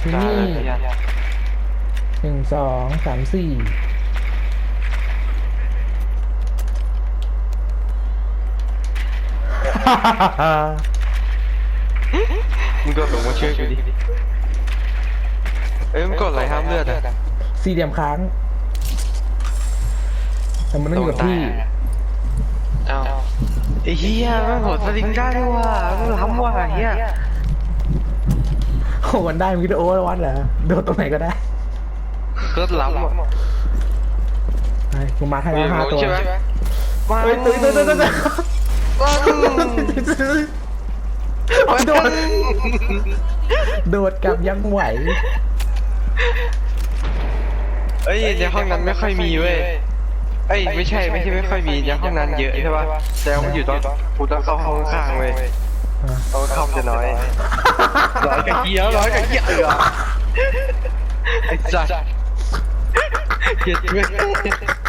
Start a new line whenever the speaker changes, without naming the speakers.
ที่นี่1 2 3 4
มึงโดนหลงมาช่วยกูดิเอ้ยมึงกดอะไรห้ามเลือดอ่ะ
สี่เหลี่ยมค้างแต่มันต้องอยู่กับที่
อ้าวไอ้เหี้ยแม่งโหดสลิงได้ด้วยว่ะมึงล้ำว่ะไอ้เหี้ย
โอ้มันได้มิโอวัดเหรอโดดตรงไหนก็ได้
โคตรล้ำอ่ะ
ไอ้กูมาให้แล้ว5 ตัว
ใช่ไหมมา
เฮ้ยตื่นโดดโดดกลับยังไหว
เอ้ยในห้องนั้นไม่ค่อยมีเว้ยเอ้ยไม่ใช่ไม่ค่อยมีในห้องนั้นเยอะใช่ป่ะแต่ว่ามันอยู่ตอนกูต้องเข้าห้องข้างเว้ยห้องเข้าจะน้อยร้อยกับเหี้ยไอ้สัสเกลียดเว้ย